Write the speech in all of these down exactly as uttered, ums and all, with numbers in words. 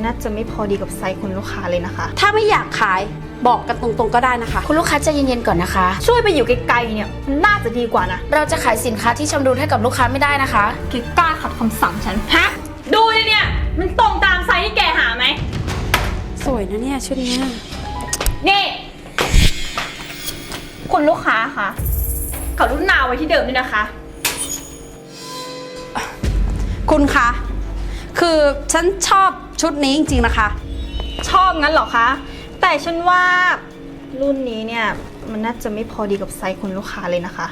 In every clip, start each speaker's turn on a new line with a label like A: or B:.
A: น่าจะไม่พอดีกับไซส์คุณลูกค้าเลยนะคะ
B: ถ้าไม่อยากขายบอกกันตรงๆก็ได้นะคะ
C: คุณลูกค้าใจเย็นๆก่อนนะคะ
A: ช่วยไปอยู่ไกลๆเนี่ยมันน่าจะดีกว่านะ
C: เราจะขายสินค้าที่ชำรุดให้กับลูกค้าไม่ได้นะคะ
A: แกกล้าขัดคำสั่งฉันฮะดูเลยเนี่ยมันตรงตามไซส์ที่แกหาไหม
B: สวยนะเนี่ยชุดนี้
A: นี่คุณลูกค้าคะกรุณาไว้ที่เดิมด้วยนะคะ
B: คุณคะคือฉันชอบชุดนี้จริงๆนะคะ
A: ชอบงั้นเหรอคะแต่ฉันว่ารุ่นนี้เนี่ยมันน่าจะไม่พอดีกับไซส์คุณลูกค้าเลยนะคะ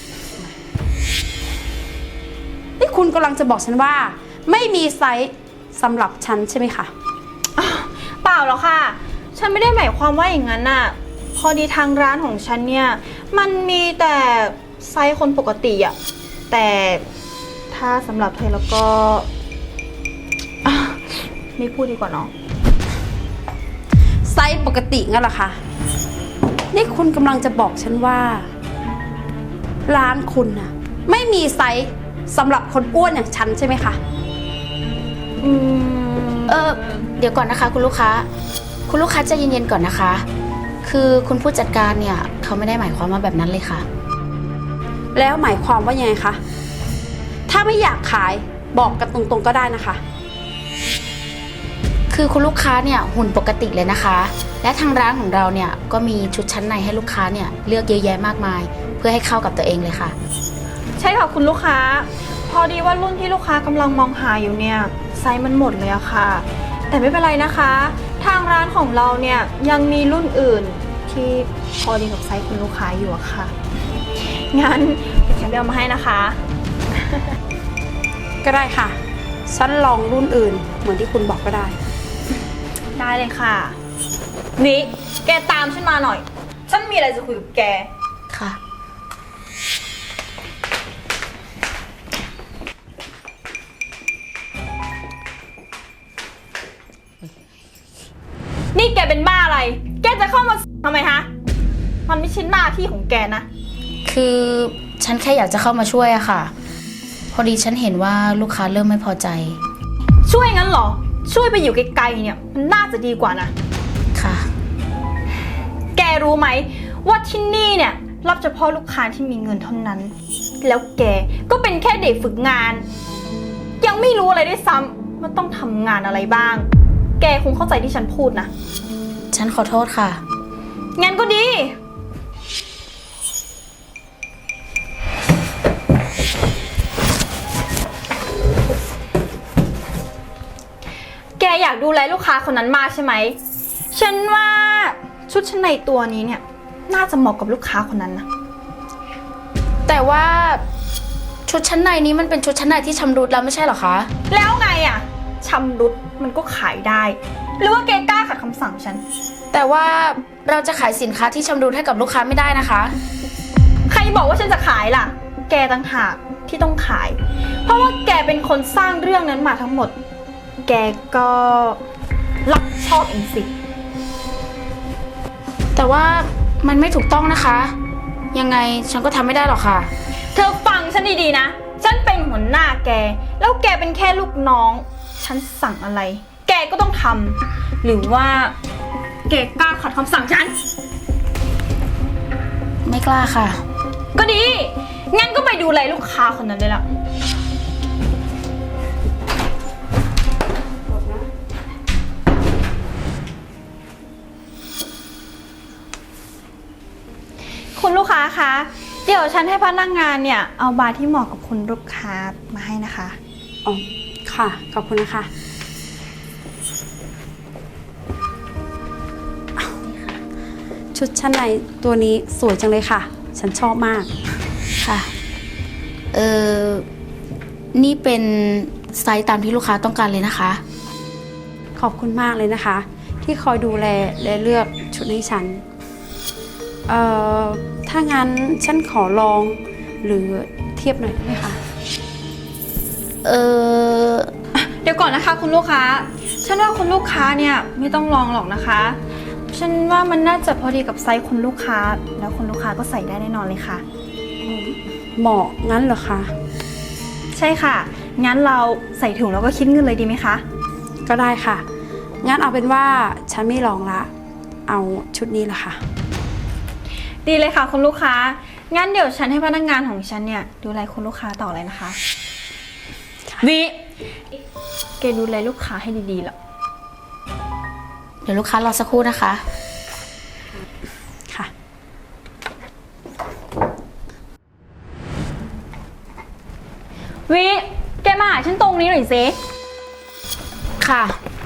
B: นี่คุณกำลังจะบอกฉันว่าไม่มีไซส์สำหรับฉันใช่ไหมคะ
A: เปล่าหรอกค่ะฉันไม่ได้หมายความว่าอย่างนั้นน่ะพอดีทางร้านของฉันเนี่ยมันมีแต่ไซส์คนปกติอะแต่ถ้าสำหรับเธอแล้วก็ไม่พูดดีกว่าเนาะ
B: ไซส์ปกติงั้นเหรอคะนี่คุณกำลังจะบอกฉันว่าร้านคุณน่ะไม่มีไซส์สำหรับคนอ้วนอย่างฉันใช่ไหมคะ
C: อืมเออเดี๋ยวก่อนนะคะคุณลูกค้าคุณลูกค้าใจเย็นๆก่อนนะคะคือคุณผู้จัดการเนี่ยเขาไม่ได้หมายความว่าแบบนั้นเลยค่ะ
B: แล้วหมายความว่ายังไงคะถ้าไม่อยากขายบอกกันตรงๆก็ได้นะคะ
C: คือคุณลูกค้าเนี่ยหุ่นปกติเลยนะคะและทางร้านของเราเนี่ยก็มีชุดชั้นในให้ลูกค้าเนี่ยเลือกเยอะแยะมากมายเพื่อให้เข้ากับตัวเองเลยค่ะ
A: ใช่ค่ะคุณลูกค้าพอดีว่ารุ่นที่ลูกค้ากำลังมองหาอยู่เนี่ยไซส์มันหมดเลยอะค่ะแต่ไม่เป็นไรนะคะทางร้านของเราเนี่ยยังมีรุ่นอื่นที่พอดีกับไซส์คุณลูกค้าอยู่อะค่ะงั้นเดี๋ยวฉันไปเอามาให้นะคะ
B: ก็ได้ค่ะฉันลองรุ่นอื่นเหมือนที่คุณบอกก็ได้
A: ได้เลยค่ะนี่แกตามฉันมาหน่อยฉันมีอะไรจะคุยกับแก
C: ค่ะ
A: นี่แกเป็นบ้าอะไรแกจะเข้ามาทำไมฮะมันไม่ใช่หน้าที่ของแกนะ
C: คือฉันแค่อยากจะเข้ามาช่วยอะค่ะพอดีฉันเห็นว่าลูกค้าเริ่มไม่พอใจ
A: ช่วยงั้นเหรอช่วยไปอยู่ไกลๆเนี่ยมันน่าจะดีกว่านะ
C: ค่ะ
A: แกรู้ไหมว่าที่นี่เนี่ยรับเฉพาะลูกค้าที่มีเงินเท่านั้นแล้วแกก็เป็นแค่เด็กฝึกงานยังไม่รู้อะไรด้วยซ้ำว่าต้องทำงานอะไรบ้างแกคงเข้าใจที่ฉันพูดนะ
C: ฉันขอโทษค่ะ
A: งั้นก็ดีแกอยากดูแลลูกค้าคนนั้นมากใช่ไหมฉันว่าชุดชั้นในตัวนี้เนี่ยน่าจะเหมาะกับลูกค้าคนนั้นนะ
C: แต่ว่าชุดชั้นในนี้มันเป็นชุดชั้นในที่ชำรุดแล้วไม่ใช่หรอคะ
A: แล้วไงอะชำรุดมันก็ขายได้หรือว่าแกกล้าขัดคำสั่งฉัน
C: แต่ว่าเราจะขายสินค้าที่ชำรุดให้กับลูกค้าไม่ได้นะคะ
A: ใครบอกว่าฉันจะขายล่ะแกต่างหากที่ต้องขายเพราะว่าแกเป็นคนสร้างเรื่องนั้นมาทั้งหมดแกก็รับชอบเองสิ
C: แต่ว่ามันไม่ถูกต้องนะคะยังไงฉันก็ทำไม่ได้หรอกค่ะ
A: เธอฟังฉันดีๆนะฉันเป็นหัวหน้าแกแล้วแกเป็นแค่ลูกน้องฉันสั่งอะไรแกก็ต้องทำหรือว่าแกกล้าขัดคำสั่งฉัน
C: ไม่กล้าค่ะ
A: ก็ดีงั้นก็ไปดูแลลูกค้าคนนั้นได้ละคุณลูกค้าคะเดี๋ยวฉันให้พนักงานเนี่ยเอาบาร์ที่เหมาะกับคุณลูกค้ามาให้นะคะ
B: อ๋อค่ะขอบคุณนะคะชุดชั้นในตัวนี้สวยจังเลยค่ะฉันชอบมาก
C: ค่ะเออนี่เป็นไซส์ตามที่ลูกค้าต้องการเลยนะคะ
B: ขอบคุณมากเลยนะคะที่คอยดูแลและเลือกชุดให้ฉันเอ่อถ้างั้นฉันขอลองหรือเทียบหน่อยได้ไหมคะ
C: เออ
A: เดี๋ยวก่อนนะคะคุณลูกค้าฉันว่าคุณลูกค้าเนี่ยไม่ต้องลองหรอกนะคะฉันว่ามันน่าจะพอดีกับไซส์คุณลูกค้าแล้วคุณลูกค้าก็ใส่ได้แน่นอนเลยค่ะ
B: เหมาะงั้นเหรอคะ
A: ใช่ค่ะงั้นเราใส่ถุงแล้วก็คิดเงินเลยดีไหมคะ
B: ก็ได้ค่ะงั้นเอาเป็นว่าฉันไม่ลองละ เอาชุดนี้ละค่ะ
A: ดีเลยค่ะคุณลูกค้า งั้นเดี๋ยวฉันให้พนักงานของฉันเนี่ยดูแลคุณลูกค้าต่อเลยนะคะวิแกดูแลลูกค้าให้ดีๆล่ะ
C: เดี๋ยวลูกค้ารอสักครู่นะคะ
B: ค่ะ
A: วิแกมาหาฉันตรงนี้หน่อยสิ
C: ค่ะ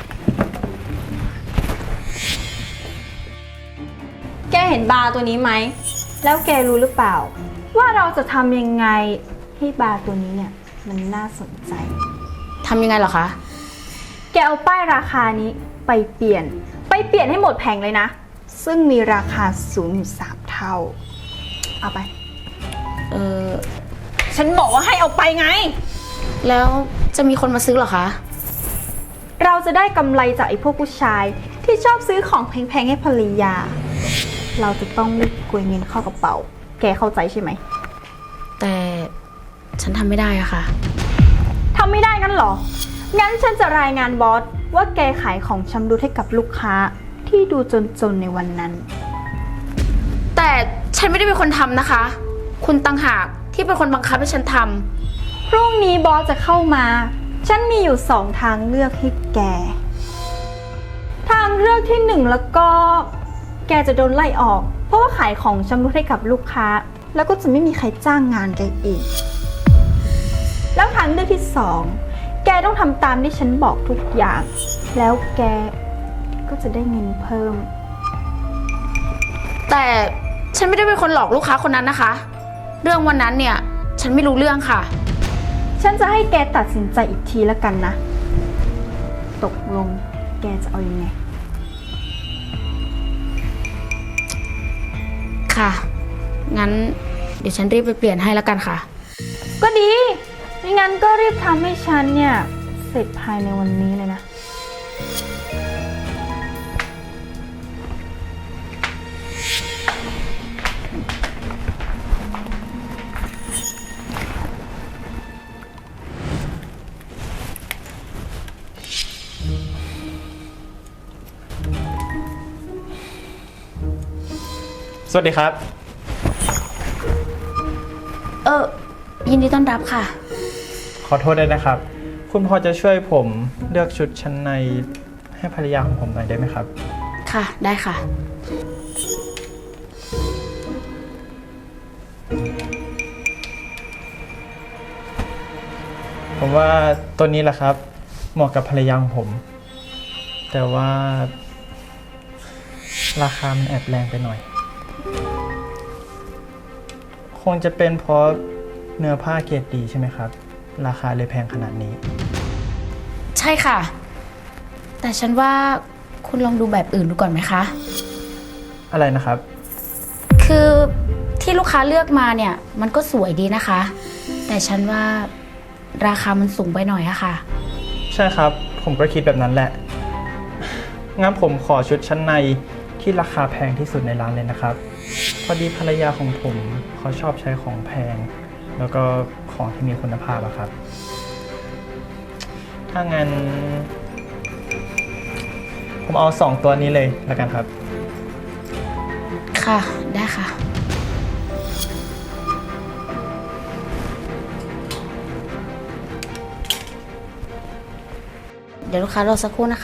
A: แกเห็นบาร์ตัวนี้ไหม แล้วแกรู้หรือเปล่า ว่าเราจะทำยังไงให้บาร์ตัวนี้เนี่ยมันน่าสนใจ
C: ทำยังไงเหรอคะ
A: แกเอาป้ายราคานี้ไปเปลี่ยน ไปเปลี่ยนให้หมดแผงเลยนะ ซึ่งมีราคาสูงอยู่สามเท่า เอาไป
C: เออ
A: ฉันบอกว่าให้เอาไปไง
C: แล้วจะมีคนมาซื้อเหรอคะ
A: เราจะได้กำไรจากไอ้พวกผู้ชายที่ชอบซื้อของแพงๆให้ภรรยา เราจะต้องรีบกวยเงินเข้ากระเป๋า แกเข้าใจใช่ไหม
C: แต่ฉันทำไม่ได้อะค่ะ
A: ทำไม่ได้งั้นเหรอ งั้นฉันจะรายงานบอสว่าแกขายของชำรุดให้กับลูกค้าที่ดูจนๆในวันนั้น
C: แต่ฉันไม่ได้เป็นคนทำนะคะ คุณตังหากที่เป็นคนบังคับให้ฉันทำ
A: พรุ่งนี้บอสจะเข้ามา ฉันมีอยู่สองทางเลือกให้แก ทางเลือกที่หนึ่งแล้วก็ แกจะโดนไล่ออก เพราะว่าขายของชำรุดให้กับลูกค้า แล้วก็จะไม่มีใครจ้างงานแกอีก แล้วทางเลือกที่สอง แกต้องทำตามที่ฉันบอกทุกอย่าง แล้วแกก็จะได้เงินเพิ่ม
C: แต่ฉันไม่ได้เป็นคนหลอกลูกค้าคนนั้นนะคะ เรื่องวันนั้นเนี่ย ฉันไม่รู้เรื่องค่ะ
A: ฉันจะให้แกตัดสินใจอีกทีแล้วกันนะ ตกลงแกจะเอาอยัางไง
C: ค่ะ งั้นเดี๋ยวฉันรีบไปเปลี่ยนให้แล้วกันค่ะ
A: ก็ดีไม่งั้นก็รีบทำให้ฉันเนี่ย เสร็จภายในวันนี้เลยนะ
D: สวัสดีครับ
C: เออ ยินดีต้อนรับค่ะ
D: ขอโทษด้วยนะครับ คุณพอจะช่วยผมเลือกชุดชั้นในให้ภรรยาของผมหน่อยได้ไหมครับ
C: ค่ะ ได้ค่ะ
D: ผมว่าตัวนี้แหละครับ เหมาะกับภรรยาของผม แต่ว่า ราคามันแอบแรงไปหน่อย คงจะเป็นเพราะเนื้อผ้าเกรดดีใช่ไหมครับ ราคาเลยแพงขนาดนี้
C: ใช่ค่ะ แต่ฉันว่าคุณลองดูแบบอื่นดูก่อนไหมคะ
D: อะไรนะครับ
C: คือที่ลูกค้าเลือกมาเนี่ย มันก็สวยดีนะคะ แต่ฉันว่าราคามันสูงไปหน่อยอะค่ะ
D: ใช่ครับ ผมก็คิดแบบนั้นแหละ งั้นผมขอชุดชั้นในที่ราคาแพงที่สุดในร้านเลยนะครับ พอดีภรรยาของผมเขาชอบใช้ของแพง แล้วก็ของที่มีคุณภาพอะครับ ถ้างั้น ผมเอาสองตัวนี้เลยแล้วกันครับ
C: ค่ะ ได้ค่ะ เดี๋ยวลูกค้ารอสักครู่นะคะ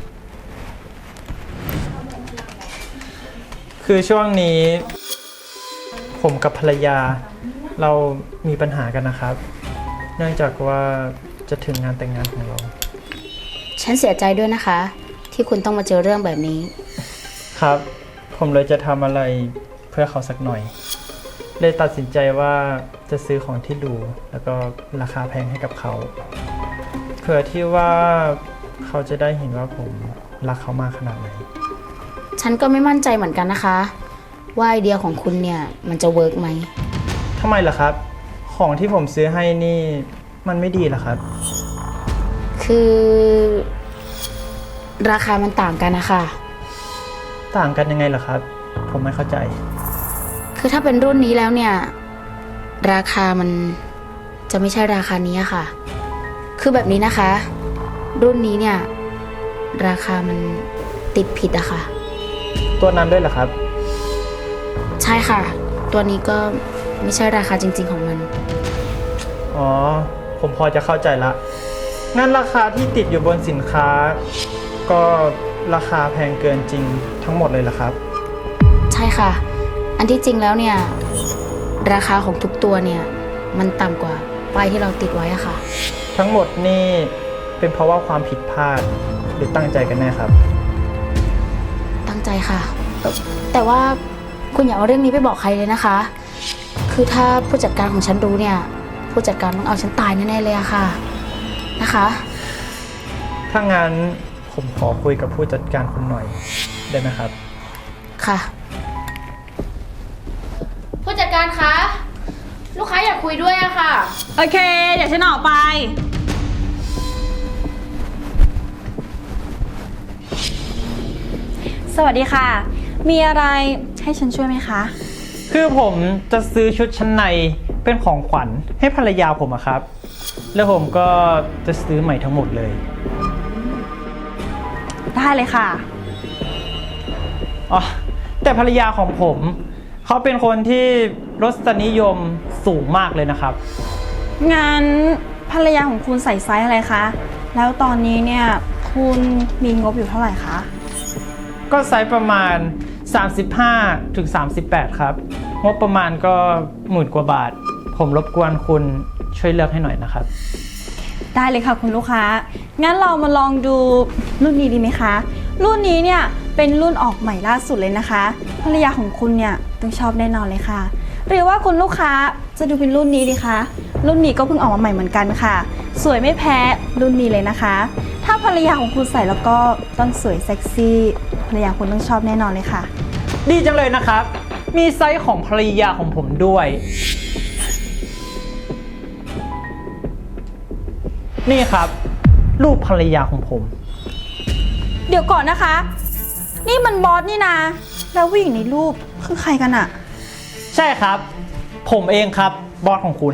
D: คือช่วงนี้ ผมกับภรรยาเรามีปัญหากันนะครับ เนื่องจากว่าจะถึงงานแต่งงานของเรา
C: ฉันเสียใจด้วยนะคะ ที่คุณต้องมาเจอเรื่องแบบนี้
D: ครับ ผมเลยจะทำอะไรเพื่อเขาสักหน่อย เลยตัดสินใจว่าจะซื้อของที่หรูแล้วก็ราคาแพงให้กับเขา เพื่อที่ว่าเขาจะได้เห็นว่าผมรักเขามากขนาดไหน
C: ฉันก็ไม่มั่นใจเหมือนกันนะคะ ว่าไอเดียของคุณเนี่ยมันจะเวิร์กไหม
D: ทำไมล่ะครับ ของที่ผมซื้อให้นี่มันไม่ดีเหรอครับ
C: คือ ราคามันต่างกันนะคะ
D: ต่างกันยังไงล่ะครับ ผมไม่เข้าใจ
C: คือถ้าเป็นรุ่นนี้แล้วเนี่ย ราคามันจะไม่ใช่ราคานี้อะค่ะ คือแบบนี้นะคะ รุ่นนี้เนี่ยราคามันติดผิดอะค่ะ
D: ตัวนั้นด้วยเหรอครับ
C: ใช่ค่ะ ตัวนี้ก็ไม่ใช่ราคาจริง ๆ ของมัน
D: อ๋อ ผมพอจะเข้าใจละ งั้นราคาที่ติดอยู่บนสินค้า ก็ราคาแพงเกินจริงทั้งหมดเลยเหรอครับ
C: ใช่ค่ะ อันที่จริงแล้วเนี่ยราคาของทุกตัวเนี่ยมันต่ำกว่าป้ายที่เราติดไว้อะค่ะ
D: ทั้งหมดนี่เป็นเพราะว่าความผิดพลาดหรือตั้งใจกันแน่ครับ
C: ตั้งใจค่ะเอ่อแต่ว่าคุณอย่าเอาเรื่องนี้ไปบอกใครเลยนะคะ คือถ้าผู้จัดการของฉันรู้เนี่ยผู้จัดการต้องเอาฉันตายแน่ๆเลยอะค่ะนะคะ
D: ถ้างั้นผมขอคุยกับผู้จัดการคุณหน่อยได้ไหมครับ
C: ค่ะ ผู้จัดการคะลูกค้าอยากคุยด้วยอะค่ะ
A: โอเค เดี๋ยวฉันออกไป สวัสดีค่ะ มีอะไรให้ฉันช่วยไหมคะ
D: คือผมจะซื้อชุดชั้นในเป็นของขวัญให้ภรรยาผมอะครับ แล้วผมก็จะซื้อใหม่ทั้งหมดเลย
A: ได้เลยค่ะ
D: อ๋อ แต่ภรรยาของผม เขาเป็นคนที่รสนิยมสูงมากเลยนะครับ
A: งั้นภรรยาของคุณใส่ไซส์อะไรคะ แล้วตอนนี้เนี่ยคุณมีงบอยู่เท่าไหร่คะ
D: ก็ไซส์ประมาณ สามสิบห้าถึงสามสิบแปด ครับ งบประมาณก็หมื่นกว่าบาท ผมรบกวนคุณช่วยเลือกให้หน่อยนะครับ
A: ได้เลยค่ะคุณลูกค้า งั้นเรามาลองดูรุ่นนี้ดีไหมคะ รุ่นนี้เนี่ยเป็นรุ่นออกใหม่ล่าสุดเลยนะคะ ภรรยาของคุณเนี่ยต้องชอบแน่นอนเลยค่ะ หรือว่าคุณลูกค้าจะดูเป็นรุ่นนี้ดีคะ รุ่นนี้ก็เพิ่งออกมาใหม่เหมือนกันค่ะ สวยไม่แพ้รุ่นนี้เลยนะคะ ถ้าภรรยาของคุณใส่แล้วก็ต้องสวยเซ็กซี่ ภรรยาคุณต้องชอบแน่นอนเลยค่ะ
D: ดีจังเลยนะครับ มีไซส์ของภรรยาของผมด้วย นี่ครับรูปภรรยาของผม
A: เดี๋ยวก่อนนะคะ นี่มันบอสนี่นะ แล้วผู้หญิงในรูปคือใครกันอะ
D: ใช่ครับ ผมเองครับบอสของคุณ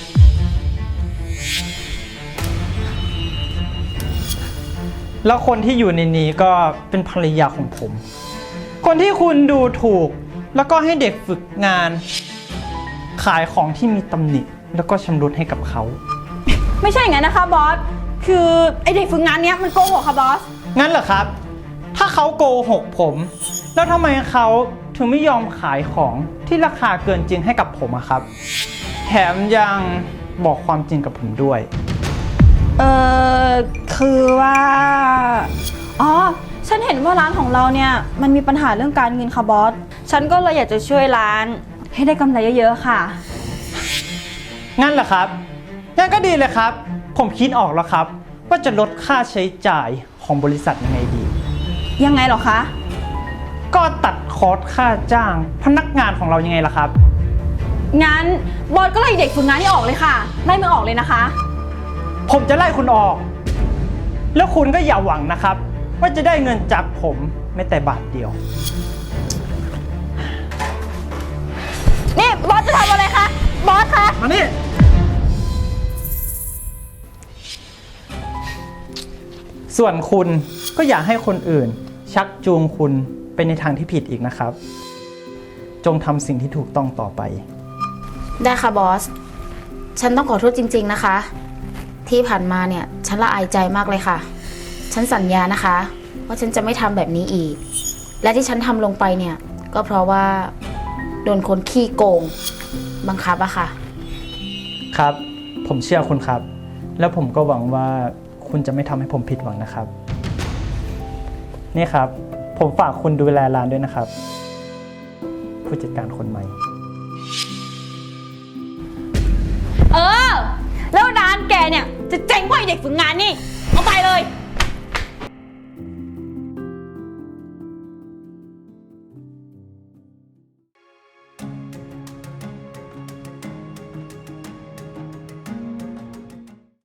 D: แล้วคนที่อยู่ในนี้ก็เป็นภรรยาของผม คนที่คุณดูถูก แล้วก็ให้เด็กฝึกงาน ขายของที่มีตำหนิ แล้วก็ชำรุดให้กับเขา
A: ไม่ใช่อย่างนั้นนะคะบอส คือไอเด็กฝึกงานเนี้ยมันโกหกค่ะบอส
D: งั้นเหรอครับ ถ้าเขาโกหกผม แล้วทำไมเขาถึงไม่ยอมขายของที่ราคาเกินจริงให้กับผมอะครับ แถมยังบอกความจริงกับผมด้วย
A: เออคือว่า อ๋อ ฉันเห็นว่าร้านของเราเนี่ยมันมีปัญหาเรื่องการเงินค่ะบอส ฉันก็เลยอยากจะช่วยร้านให้ได้กำไรเยอะๆค่ะ
D: งั้นเหรอครับ งั้นก็ดีเลยครับ ผมคิดออกแล้วครับ ว่าจะลดค่าใช้จ่ายของบริษัทยังไงดี
A: ยังไงเหรอคะ
D: ก็ตัดคอร์สค่าจ้างพนักงานของเรายังไงล่ะครับ
A: งั้นบอสก็ไล่เด็กฝึกงานที่ออกเลยค่ะ ไล่มึงออกเลยนะคะ
D: ผมจะไล่คุณออก แล้วคุณก็อย่าหวังนะครับ ว่าจะได้เงินจากผมแม้แต่บาทเดียว
A: นี่บอสจะทำอะไรคะ บอสคะ
D: มานี่ ส่วนคุณก็อย่าให้คนอื่น ชักจูงคุณไปในทางที่ผิดอีกนะครับ จงทำสิ่งที่ถูกต้องต่อไป
C: ได้ค่ะบอส ฉันต้องขอโทษจริง ๆนะคะ ที่ผ่านมาเนี่ยฉันละอายใจมากเลยค่ะ ฉันสัญญานะคะว่าฉันจะไม่ทำแบบนี้อีก และที่ฉันทำลงไปเนี่ยก็เพราะว่าโดนคนขี้โกงบังคับอะค่ะ
D: ครับ ผมเชื่อคุณครับ แล้วผมก็หวังว่าคุณจะไม่ทำให้ผมผิดหวังนะครับ นี่ครับ ผมฝากคุณดูแลร้านด้วยนะครับ ผู้จัดการคนใหม่
A: เออ แล้วร้านแกเนี่ยจะเจ๊งกว่าไอ้เด็กฝึกงานนี่ เอาไปเลย